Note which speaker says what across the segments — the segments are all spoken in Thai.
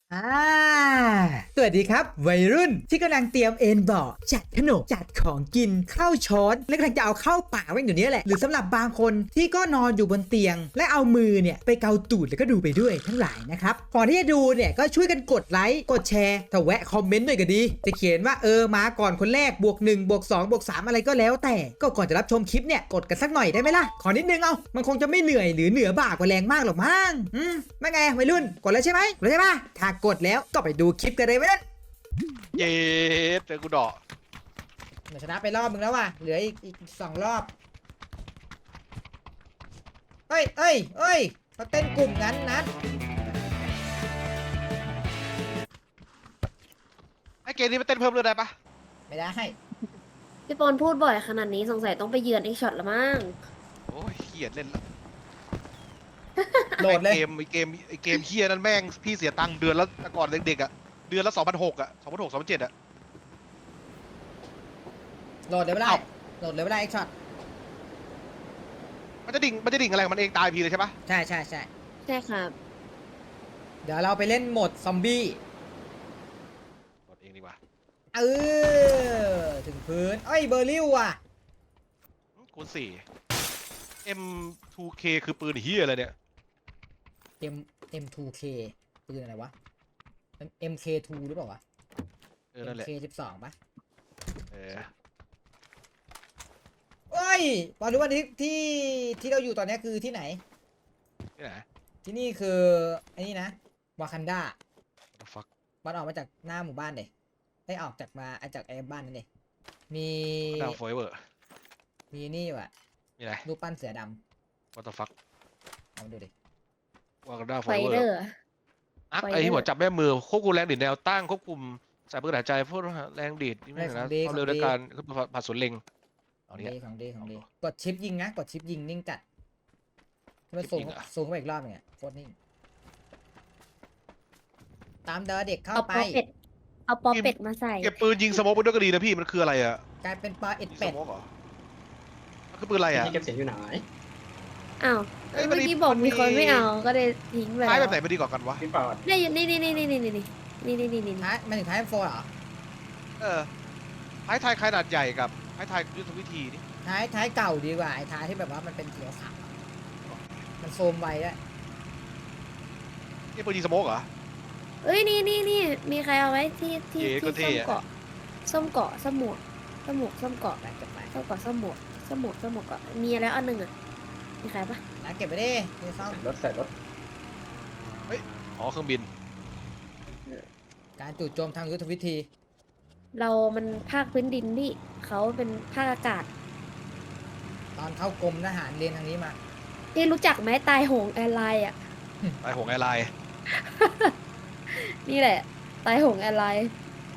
Speaker 1: อ่าสวัสดีครับวัยรุ่นที่กำลังเตรียมเอนเบาะจัดขนมจัดของกินเข้าช้อนและกำลังจะเอาเข้าปากไว้อยู่นี้แหละหรือสำหรับบางคนที่ก็นอนอยู่บนเตียง และเอามือเนี่ยไปเกาตูดแล้วก็ดูไปด้วยทั้งหลายนะครับก่อนที่จะดูเนี่ยก็ช่วยกันกดไลค์กดแชร์ถ้าแวะคอมเมนต์ด้วยก็ดีจะเขียนว่ามาก่อนคนแรก+1 +2 +3อะไรก็แล้วแต่ก็ก่อนจะรับชมคลิปเนี่ยกดกันสักหน่อยได้ไหมล่ะขอนิดนึงเอามันคงจะไม่เหนื่อยหรือเหนือบ่ากว่าแรงมากหรอกมั้งไม่ไงวัยรุ่นกดแล้วใช่ไหมกดแล้วใช่ปะถ้ากดแล้วก็ไปดูคลิปกันเลยวัยรุ่น
Speaker 2: เย็ดเจอกูเดาะ
Speaker 1: เดี๋ยวชนะไปรอบมึงแล้วว่ะเหลืออีก2 รอบเอ้ยเขาเต้นกลุ่มนั้นนะ
Speaker 2: ไอเกมนี้มันเต้นเพิ่มเลยได้ปะ
Speaker 1: ไม่ได้
Speaker 3: พี่ปอนพูดบ่อยขนาดนี้สงสัยต้องไปเยือนไอ้ช็อตละมั้ง
Speaker 2: โอ้ยเขียนเล่นละ
Speaker 1: โหลดเลย
Speaker 2: ไอเกมเฮียนั่นแม่งพี่เสียตังค์เดือนละแต่ก่อนเด็กๆอ่ะเดือนละ2,600อ่ะ2,600 2,700อ่ะ
Speaker 1: โหลดเลยไม่ได้
Speaker 2: เอ้า
Speaker 1: โหลดเลยไม่ได้ไอ้ช็อต
Speaker 2: มันจะดิ่งอะไรของมันเองตายพีเลยใช่ปะ
Speaker 1: ใช่
Speaker 3: ใช่ครับ
Speaker 1: เดี๋ยวเราไปเล่นโหมดซอมบี้
Speaker 2: กดเองดีกว่า
Speaker 1: ถึงพื้นเอ้ยเบอร์ลิวว่ะ
Speaker 2: คูณ4 M2K คือปืนเฮียอะไรเนี่ย
Speaker 1: M2K ปืนอะไรวะมัน MK2 หรือเปล่าวะ
Speaker 2: นั่นแหละ
Speaker 1: MK12 ปะ
Speaker 2: เออ
Speaker 1: เอ้ยบอลรู้ว่าที่เราอยู่ตอนนี้คือที่ไหน
Speaker 2: ที่ไหน
Speaker 1: ที่นี่คือไอ้นี่นะวากันดา
Speaker 2: What the fuck
Speaker 1: บอลออกมาจากหน้าหมู่บ้านเลยได้ออกจากไอ้บ้านนั่นเลยมี
Speaker 2: ดาวโฟเวอร์
Speaker 1: มีนี่ว่ะ
Speaker 2: มีอะไร
Speaker 1: รูปปั้นเสือด
Speaker 2: What the fuck
Speaker 1: ำเอามาดูดิ
Speaker 2: วางดาวโฟ
Speaker 3: ไฟ
Speaker 2: เวอ
Speaker 3: เดอ
Speaker 2: ร์
Speaker 3: ร์
Speaker 2: อัก
Speaker 3: ไฟ
Speaker 2: ไอที่
Speaker 3: เดอร์
Speaker 2: หัวจับแม่มือควบคุมแรงดีดแนวตั้งควบคุมสายปืนหายใจพวกแรงดีดนี่ไม่เหมือนนะความเร็วในการผ่านสวนเล็ง
Speaker 1: ข
Speaker 2: เอา
Speaker 1: อง
Speaker 2: เนี่ย
Speaker 1: ดีกดชิปยิงนะกดชิปยิงนิ่งจัดที่มัน
Speaker 2: ชิป
Speaker 1: สูง
Speaker 2: ยิงเหรอ
Speaker 1: สูงเข้าไปอีกรอบหนึงอ่ะโคตรนิ่งตามเดอเด็กเข้า
Speaker 3: เอา
Speaker 1: ไป
Speaker 3: ปอเป็ด เอาปอเป็ดมาใส่
Speaker 2: เก็บปืนยิงสโมกไปด้วยก็ดีนะพี่มันคืออะไรอะ
Speaker 1: กลายเป็นปลาเอ็ด
Speaker 2: ยิงส
Speaker 1: เป็ด
Speaker 2: โมกเหรอมันคือปืนอะไรอะ
Speaker 4: ที่เก็บเสียงอยู่ไหน
Speaker 3: อ้าว
Speaker 2: เอ้ยมัน
Speaker 3: เมื่อ
Speaker 2: มี
Speaker 3: กี้บอก
Speaker 2: มันมี
Speaker 3: มีคนไม่เอาก็เลยทิ้งไป
Speaker 2: ท้าย
Speaker 3: แล้
Speaker 2: แบบ
Speaker 3: ว
Speaker 2: ไหนไม่ดีกว่ากันวะ
Speaker 4: พี่ปอด
Speaker 3: ได้อยู่นี่
Speaker 1: ท้ายมันถึงท้ายโฟเหรอ
Speaker 2: เออท้ายไทยขนาดใหญ่กับท้ายไทยยุทธวิธีนี่
Speaker 1: ท้ายเก่าดีกว่าไอ้ท้ายที่แบบว่ามันเป็นเขียวขาวอะมันโซมไวด้วย
Speaker 2: นี่ปืนยิงสโมกเหรอ
Speaker 3: เอ้ยนี่มีใครเอาไว้ที่
Speaker 2: เก๋ก็เท่
Speaker 3: ส้ม
Speaker 2: อะ
Speaker 3: เกาะส้มเกาะส้มหมวกส้มเกาะ
Speaker 1: ไปเก็บไป
Speaker 3: ส้มเกาะส้มหมวกเกาะมีแล้วอันหนึ่งอ่ะมีใครปะ
Speaker 1: แล้วเก็บไปดินี่ซ่อม
Speaker 4: ใส่รถ
Speaker 2: อ๋อเครื่องบิน
Speaker 1: การจู่โจมทางยุทธวิธี
Speaker 3: เรามันภาคพื้นดินพี่เขาเป็นภาคอากาศ
Speaker 1: ตอนเข้ากรมทหารเรียนทางนี้มา
Speaker 3: ที่รู้จักไหมตายโหงแอร์ไลน์อ่ะ
Speaker 2: ไอหงแอร์ไลน์
Speaker 3: นี่แหละ ตายโหงแอร์ไลน์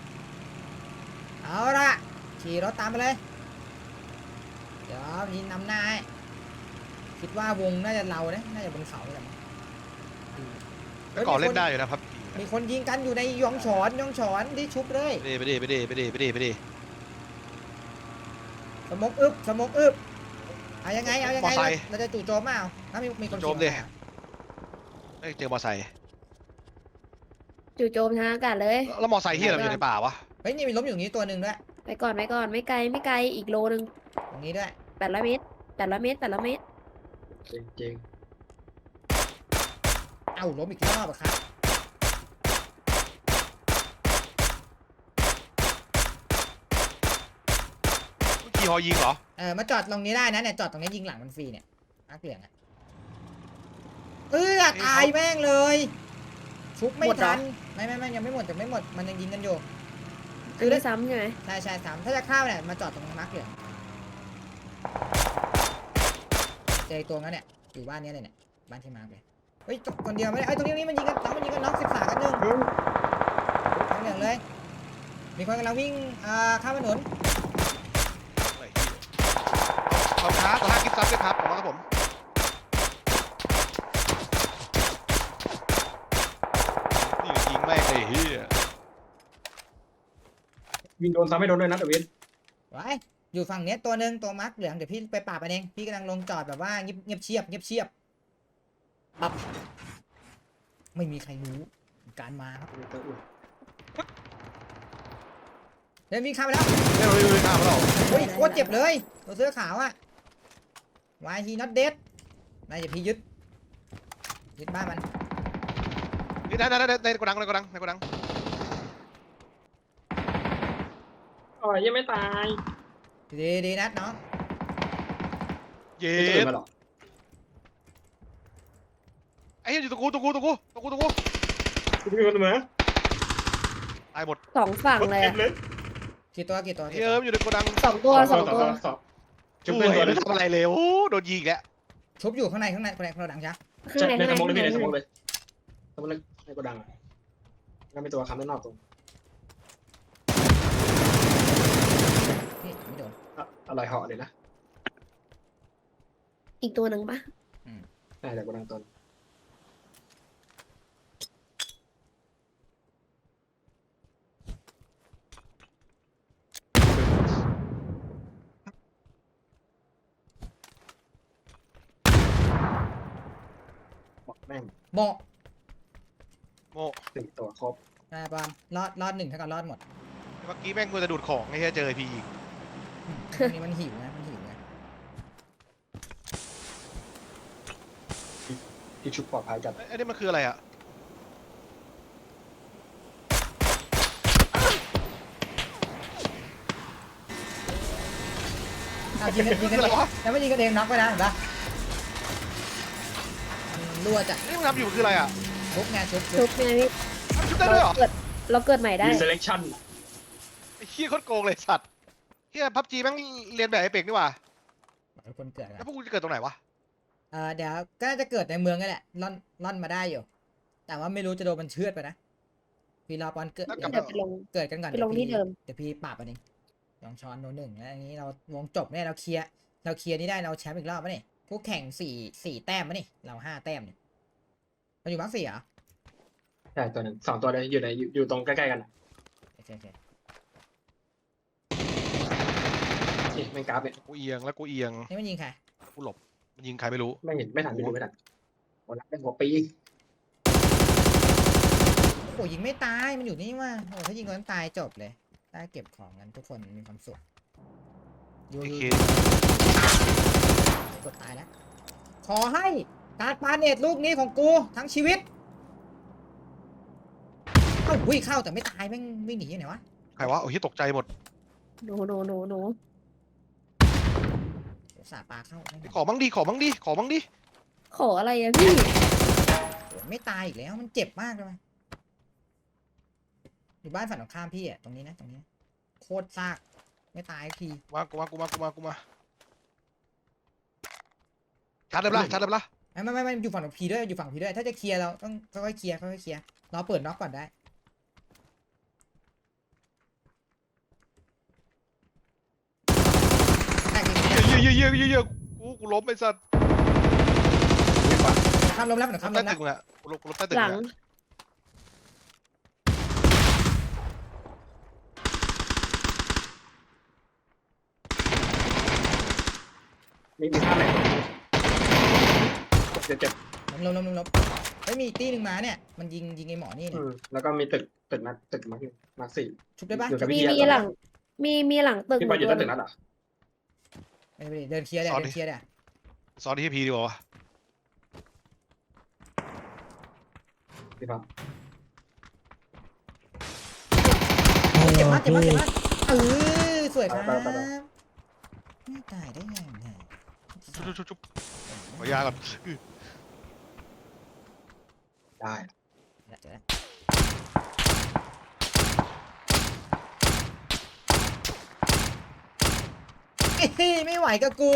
Speaker 1: เอาละขี่รถตามไปเลย เดี๋ยวพี่นำหน้าให้คิดว่าวงน่าจะเราเนี่ยน่าจะบนเขาเลย
Speaker 2: แต่ก่อนเล่นได้อยู่นะครับ
Speaker 1: มีคนยิงกันอยู่ในยองฉอนที่ชุบเลย
Speaker 2: ไปดิ
Speaker 1: สมกอึบเอายังไงเราจะจู่โจมมาเอาถ้ามีคน
Speaker 2: โจมดิไม่เจอมอไซค์
Speaker 3: จู่โจมทางอากาศเลย
Speaker 2: แล้วมอไซค์ที่เราอยู่ในป่าวะ
Speaker 1: เฮ้ยนี่มีล้มอยู่นี้ตัวหนึ่งด้วย
Speaker 3: ไปก่อนไม่ไกลอีกโลนึง
Speaker 1: ตรงนี้ด้วย
Speaker 3: 800 เมตร800 เมตร
Speaker 4: จริงจริง
Speaker 1: เอ้าล้มอีกรอบอะครับ
Speaker 2: ขี่ฮอยิงเหรอ
Speaker 1: มาจอดตรงนี้ได้นะเนี่ยจอดตรงนี้ยิงหลังมันฟรีเนี่ยนักเหลืองอะตายแม่งเลยชุบไม่
Speaker 3: หมดเหรอ
Speaker 1: ทันไม่ยังไม่หมดมันยังยิงกันอยู่
Speaker 3: อันนี้ซ้ำใช่ไหม
Speaker 1: ใช่สามถ้าจะเข้าเนี่ยมาจอดตรงนักเหลืองเจอตัวนั้นเนี่ยอยู่บ้านนี้เลยเนี่ยบ้านที่มาร์คเลยเฮ้ยคนเดียวไม่ได้ตรงนี้มันยิงกันน็อก13 กันหนึ่งนักเหลืองเลย มีคนกำลังวิ่งข้ามถนน
Speaker 2: ขอบค้าต่อหน้ากิฟต์ซับด้วยครับขอบคุณครับผมนี่ยิงแม่งเลยเฮีย
Speaker 4: วิ่งโดนซ้ำไม่โดนด้วยนะเดวิด
Speaker 1: ไว้อยู่ฝั่งเนี้ยตัวหนึ่งตัวมาร์คเหลืองเดี๋ยวพี่ไปปราบมันเองพี่กำลังลงจอดแบบว่าเงียบเชียบปั๊บไม่มีใครรู้การมาครับ
Speaker 4: มีตัวอื่น
Speaker 1: เดินวิ่งข้ามไปแล้ว
Speaker 2: ไม่รู้ไม่ข้ามเรา
Speaker 1: โอ้ยโคตรเจ็บเลยตัวเสื้อขาวอะ Why he not dead นายจะพี่ยึดบ้านมัน
Speaker 2: นี่ในกระดังในกระดัง
Speaker 4: อ๋อยังไม่ตาย
Speaker 1: ดีนัดน้อง
Speaker 2: เย็
Speaker 4: มีตัวอื่
Speaker 2: ด
Speaker 4: นมาหรอ
Speaker 2: ไอ้เหี้ยอยู่ตะกู
Speaker 4: มีคนมา
Speaker 2: ตายหมด
Speaker 3: สองฝั่งเลย
Speaker 4: เต็
Speaker 3: อะ
Speaker 4: มเลย
Speaker 1: กี่ตัว
Speaker 2: เฮ้ยอยู่ในกระดัง
Speaker 3: สองตัว
Speaker 4: สอง
Speaker 2: ช่
Speaker 4: จุ๊บ
Speaker 2: ว
Speaker 4: เป็น
Speaker 2: ย
Speaker 4: ตัว
Speaker 2: ไม่ทำอะไรเลยโอ้โดนยิงแล้ว
Speaker 1: ชุบอยู่ข้างในคนละดังจ้ะ
Speaker 3: ข้างใน
Speaker 4: ในสมองเลย
Speaker 3: ข้าง
Speaker 4: ใน
Speaker 3: ใน
Speaker 4: สมองเลยสมองเลยในกระดังแล้วมีตัวค้ำด้านนอกตรง
Speaker 1: นี่ไม่โดน
Speaker 4: อะไรเหาะเลยนะ
Speaker 3: อีกตัวหนึ่งปะ
Speaker 4: น่าจะกระดังต้นบอกแม่ง
Speaker 1: โม
Speaker 2: โม่
Speaker 4: 4 ตัวครบ
Speaker 1: ปอนรอดหนึ่งเท่ากับรอดหมด
Speaker 2: เมื่อกี้แม่งกูจะดูดของไอ้เหี้ยเจอพียิง
Speaker 1: นี่มันหิวนะ
Speaker 4: ที่ชุบปลอดภัยจัด
Speaker 2: ไอ้นี่มันคืออะไรอ่ะ
Speaker 1: ยิงกัน
Speaker 2: คืออะไรวะ
Speaker 1: แล้วไม่ยิงกันเองน็อกไปนะเห็นปะมันรั่วจ้ะ
Speaker 2: นี่มึงทำอยู่คืออะไรอ่ะ
Speaker 1: ชุบไงชุบ
Speaker 3: ชุบไงพี่
Speaker 2: ชุบได้ด้วยเหรอ
Speaker 3: เราเกิดใหม่ได้
Speaker 4: มี selection
Speaker 2: ไอ้เหี้ยโคตรโกงเลยสัตว์เหี้ยพับจีแม่งเรียนแบบไอ้เป็กนี่หว่า
Speaker 1: คนเกิด
Speaker 2: แล้วพวกกูจะเกิดตรงไหนวะ
Speaker 1: เดี๋ยวก็น่าจะเกิดในเมืองนี่แหละล่อนมาได้อยู่ แต่ว่าไม่รู้จะโดนมันเชือดไปนะพี่รอปอนเกิด
Speaker 3: เดี๋ยวไปลง
Speaker 1: เกิดกันก่อน
Speaker 3: ไปลงที่เดิม
Speaker 1: เดี๋ยวพี่ปราบมันเองลองช้อนโนหนึ่งแล้วอันนี้เราวงจบเนี่ยเราเคลียร์นี่ได้เราแชมป์อีกรอบปะนี่คู่แข่งสี่แต้มปะนี่เรา5 แต้มเนี่ยเราอยู่มาร์ค4เหรอ
Speaker 4: ใช่ตัวหนึ่ง2 ตัวเลยอยู่ตรงใกล้ๆกัน
Speaker 1: โอเค
Speaker 4: นี่ไม่กราฟเนี่ย
Speaker 2: กูเอียงแล้วกูเอียง
Speaker 1: นี่มันยิงใคร
Speaker 2: กูหลบมันยิงใครไม่รู้
Speaker 4: ไม่เห็นไม่ทันไม่ทันหัวรักได้หัวปี
Speaker 1: โอ้ยิงไม่ตายมันอยู่นี่ว่าโอ้ถ้ายิงโดนตายจบเลยได้เก็บของกันทุกคนมีความสุขยู
Speaker 2: ไอ้เค
Speaker 1: กดตายแล้วขอให้การปาเนตลูกนี้ของกูทั้งชีวิตเอ้าวิ่งเข้าแต่ไม่ตายแม่งวิ่งหนียังไงวะ
Speaker 2: ใครวะโอ้ยตกใจหมด
Speaker 3: โน
Speaker 1: สาปลาเข้าไม่
Speaker 2: ขอบ้างดิขอบ้างดิ
Speaker 3: ขออะไรอะพี่
Speaker 1: โอ้ไม่ตายอีกแล้วมันเจ็บมากเลยอยู่บ้านฝั่งตรงข้ามพี่อะตรงนี้นะโคตรซากไม่ตายสักที
Speaker 2: มาชาร์จเลยปะล่ะ
Speaker 1: ไม่อยู่ฝั่งพีด้วยอยู่ฝั่งพีด้วยถ้าจะเคลียร์เราต้องค่อยๆเคลียร์เราเปิดน็อกก่อนได้แตกอีก
Speaker 2: เยอะกูล้มไอ้สัตว์
Speaker 1: ข้ามล้มแล้วข้ามล้
Speaker 2: ใต้
Speaker 1: มแล้ว
Speaker 2: ตึกมึงอะกูล้มใต้ตึก
Speaker 3: หลัง
Speaker 2: มึงอะ
Speaker 4: มีท่าไหนเจ็บ
Speaker 1: ล้มเฮ้ยมีอีกตีหนึ่งมาเนี่ยมันยิงไอ้หมอนี่เนี่ย
Speaker 4: แล้วก็มีตึกมาร์ค 4
Speaker 1: ชุบได้ปะ
Speaker 4: อยู่กับ
Speaker 3: มี
Speaker 4: พี่
Speaker 3: หลัง มีหลังตึก
Speaker 4: พี่บอลอยู่ใต้ตึกนั้นเหรอ
Speaker 1: ไม่เดินเคลียร์เดินเคลียร์
Speaker 2: ซ้อนที่พีดีกว่าวะ
Speaker 4: พี่ครับ
Speaker 1: เจ็บมากเออสวยครับไม่ตายได้ยังไง
Speaker 2: ชุบขอยาก่อน
Speaker 4: ได้
Speaker 1: เจอแล้วไม่ไหวกับกู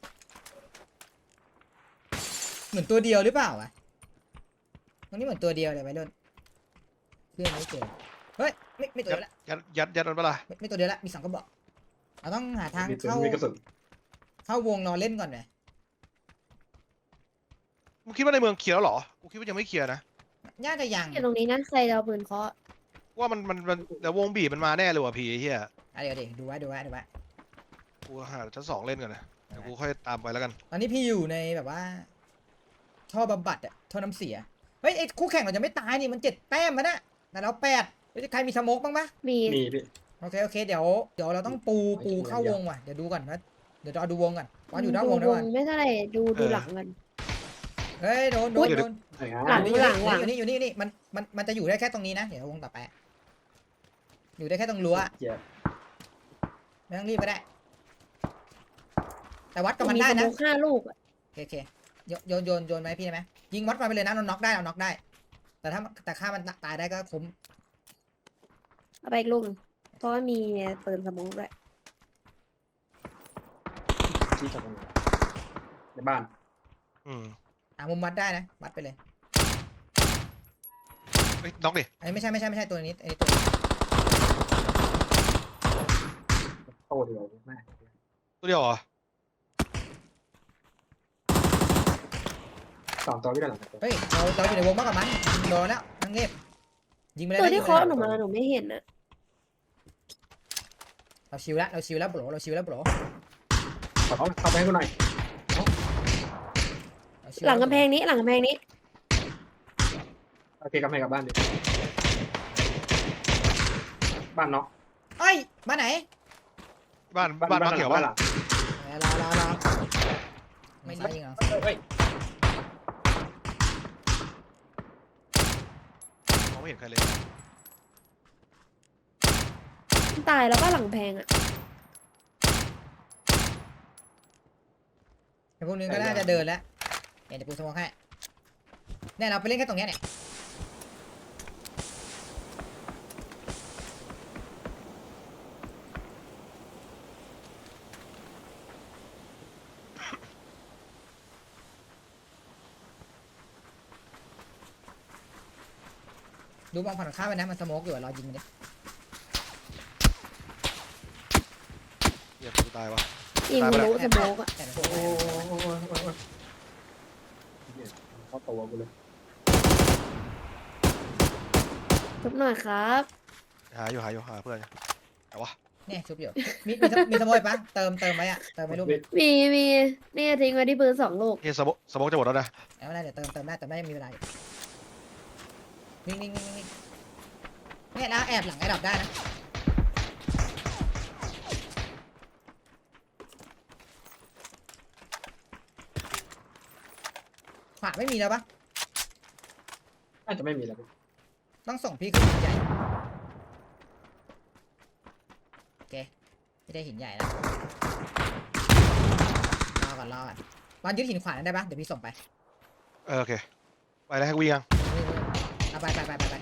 Speaker 1: เหมือนตัวเดียวหรือเปล่าวะตรงนี้เหมือนตัวเดียวเลยไว้รุ่นเพื่อนไม่เจอเฮ้ยไม่ตัวเดียวละ
Speaker 2: ยัดมันปะล่ะ
Speaker 1: ไม่ตัวเดียวละมี2 กระบอกเราต้องหาทาง
Speaker 4: มีกระสุน
Speaker 1: เข้าวงรอเล่นก่อนเลย
Speaker 2: มึงคิดว่าในเมืองเคลียร์แล้วเหรอกูคิดว่ายังไม่เคลียร์นะ
Speaker 1: น่าจะยัง
Speaker 3: อยู่ตรงนี้นะใครจะเอาปืนเคาะ
Speaker 2: ว่ามันเดี๋ยววงบีบมันมาแน่เลยว่ะพี่ไอ้เหี้ย
Speaker 1: เดี๋ยวดูไว้
Speaker 2: กูหาชั้น2เล่นก่อนนะเดี๋ยวกูค่อยตามไปแล้วกัน
Speaker 1: ตอนนี้พี่อยู่ในแบบว่าท่อบำบัดอะท่อน้ำเสียเฮ้ยไอ้คู่แข่งเราจะไม่ตายนี่มัน7 แต้มมันนะแต่เรา8เฮ้ยใครมีสโมกบ้างปะ
Speaker 3: มี
Speaker 4: มีพี่
Speaker 1: โอเคเดี๋ยวเราต้องปูเข้าวงว่ะเดี๋ยวดูก่อนนะเดี๋ยวเราดูวงก่อนว่าอยู่นอกวงด้วยก่อน
Speaker 3: ไม่เท่าไหร่ดูหลังกัน
Speaker 1: เฮ้ยโดน
Speaker 3: อุ๊ย
Speaker 4: ไหนฮะ
Speaker 3: หลัง
Speaker 1: อยู่นี่มันจะอยู่ได้แค่ตรงนี้นะเดี๋ยววงต่อไปอยู่ได้แค่ตรงรั้ว
Speaker 4: เจ็บ
Speaker 1: ไม่ต้องรีบก็ได้ แต่วัดกับมันได้นะ
Speaker 3: มีสโค5 ลูกอะ
Speaker 1: โอเคโยนไหมพี่ได้ไหมยิงวัดมาไปเลยนะเราน็อกได้เราน็อกได้ แต่ฆ่ามันตายได้ก็คุ้ม
Speaker 3: เอาไปอีกลูกหนึ่งเพราะว่ามีปืนสโมองด้วย
Speaker 4: ที่จอดตรงไหนในบ้าน
Speaker 2: อืม
Speaker 1: มุมวัดได้นะวัดไปเลย
Speaker 2: เฮ้ยน็อกดิ
Speaker 1: อันนี้ไม่ใช่ตัวนี้อันนี้ตัว
Speaker 4: โตเดียวแม่
Speaker 2: ตัวเดียวเหรอ
Speaker 4: 2 ตัวพี่ด้านหลังตัว
Speaker 1: เฮ้ยเราอยู่ในวงมากกว่ามันโดนแล้วนั่งเงียบยิงไปเลย
Speaker 3: ตัว
Speaker 1: นะ
Speaker 3: ที่
Speaker 1: ยิงไป
Speaker 3: เคาะ
Speaker 1: เลย
Speaker 3: หนูมาหนูไม่เห็นอะ
Speaker 1: เราชิวแล้วโบรเราชิวแล้วโบร
Speaker 4: ขอเข้าไปให้กูหน่อย
Speaker 1: เราชิว
Speaker 3: หลังกำแพงนี้หลังกำแพงนี้
Speaker 4: โอเคกลับให้กลับบ้านดิบ้านเนาะ
Speaker 1: เอ้ยมาไหน
Speaker 2: บ้านมาเขียว
Speaker 4: บ้า
Speaker 2: บ้าน น
Speaker 4: หลัง
Speaker 1: รอไม่ซ้ายยิงเหรอ
Speaker 4: เฮ้ย
Speaker 2: มองไม่เห็นใครเลย
Speaker 3: ตายแล้วก็หลังแพงอะ
Speaker 1: ไอ้พวกนี้ก็น่าจะเดินแล้วเดี๋ยวกูสมองให้เนี่ยเราไปเล่นแค่ตรงเนี้ยเนี่ยดูมองผ่านข้ามไปนะมันสโมกอยู่อะรอยิงมันดิ
Speaker 2: เหี้ยกูตายวะ
Speaker 3: ยิง
Speaker 2: ตายไปแล้ว
Speaker 3: รู้สโมองอะ
Speaker 1: แต่มัน
Speaker 4: โอ้ยเข้าตัวกูเลย
Speaker 3: ทุบหน่อยครับ
Speaker 2: หาเพื่อนแต่วะ
Speaker 1: เนี่ยชุบอยู่มีสโมกปะเติมไว้อะเติมไว้รูป
Speaker 3: มีนี่ทิ้งไว้ที่ปืน2 ลูก
Speaker 2: เฮ้ยสมองจะหมดแล้วนะ
Speaker 1: แล้วไม่ได้เดี๋ยวเติมได้แต่ไม่มีเวลาอยู่วิ่งเนี่ยแล้วแอบหลังไอ้ดอกได้นะขวาไม่มีแล้วปะ
Speaker 4: น่าจะไม่มีแล้ว
Speaker 1: ต้องส่งพี่ขึ้นหินใหญ่โอเคไม่ได้หินใหญ่แล้วรอก่อนบอลยึดหินขวานั้นได้ปะเดี๋ยวพี่ส่งไป
Speaker 2: โอเคไปแล้วให้กูยิงยัง
Speaker 1: เอาไปเลยไป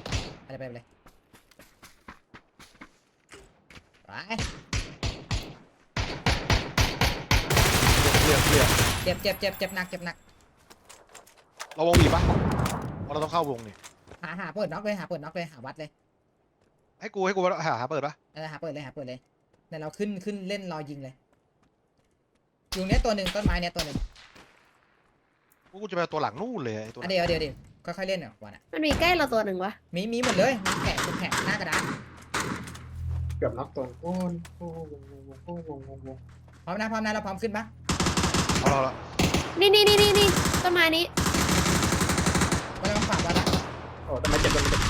Speaker 2: เรียบ
Speaker 1: เจ็บหนัก
Speaker 2: เราวงบีบปะเพราะเราต้องเข้าวงนี่
Speaker 1: หาเปิดน็อกเลยหาวัดเลย
Speaker 2: ให้กูหาเปิดปะ
Speaker 1: หาเปิดเลยเดี๋ยวเราขึ้นเล่นรอยิงเลยอยู่เนี้ยตัวหนึ่งต้นไม้เนี้ยตัวหนึ่ง
Speaker 2: กูจะไปตัวหลังนู่นเลยไอ้ตัว
Speaker 1: เดี๋ยวค่อยๆเล่นอ่ะวันอ่ะ
Speaker 3: มันมีใกล้เราตัวหนึ่งวะ
Speaker 1: มีหมดเลยมีแข่งหน้ากระดาน
Speaker 4: เกือบน็อกตัวโอ้ย
Speaker 1: พร้อมนะเราพร้อมขึ้นปะ
Speaker 2: เอาละ
Speaker 3: นี่ต้นไม้นี้
Speaker 1: เราต้องฝากวัดละ
Speaker 4: โอ้ทำไมเจ็บตัวนี้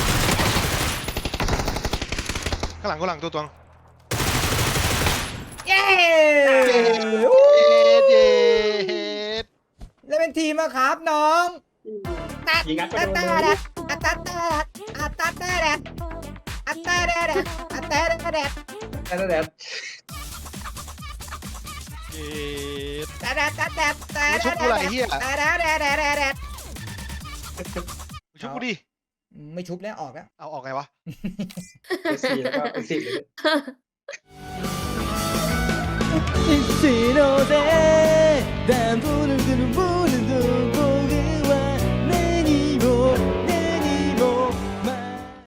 Speaker 2: ข้างหลังตัว
Speaker 1: เย้
Speaker 2: เย็ด
Speaker 1: เล่นเป็นทีมอะครับน้อง
Speaker 4: ยิงงัดไป
Speaker 1: อัต
Speaker 4: โด
Speaker 1: ตาน แดดอัตตาแดดอัตตาแดดอัตตาแดดอัตตาแดด
Speaker 4: แดด
Speaker 2: เย็ด
Speaker 1: แดด
Speaker 2: ชุบกูอะไรเฮีย
Speaker 1: แดด
Speaker 2: ชุบกูดิ
Speaker 1: ไม่ชุบแล้วออกแล้ว
Speaker 2: เอาออกไงวะ
Speaker 4: ไปซีแล้วก็ไปซีเลย
Speaker 1: สีโนเด